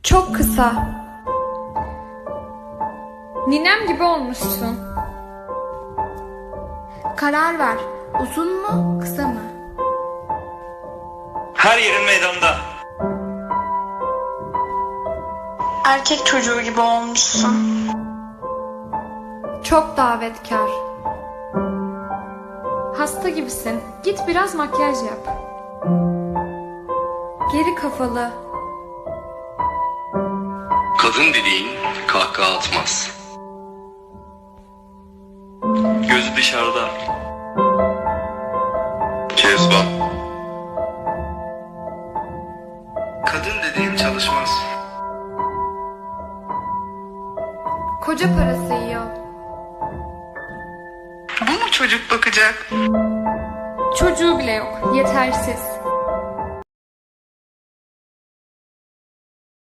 Çok kısa. Ninem gibi olmuşsun. Karar ver. Uzun mu, kısa mı? Her yerin meydanda. Erkek çocuğu gibi olmuşsun. Çok davetkar. Hasta gibisin. Git biraz makyaj yap. Geri kafalı. Kadın dediğin kahkaha atmaz. Gözü dışarıda. Kezban. Kadın dediğin çalışmaz. Koca parası yiyor. Bu mu çocuk bakacak? Çocuğu bile yok. Yetersiz.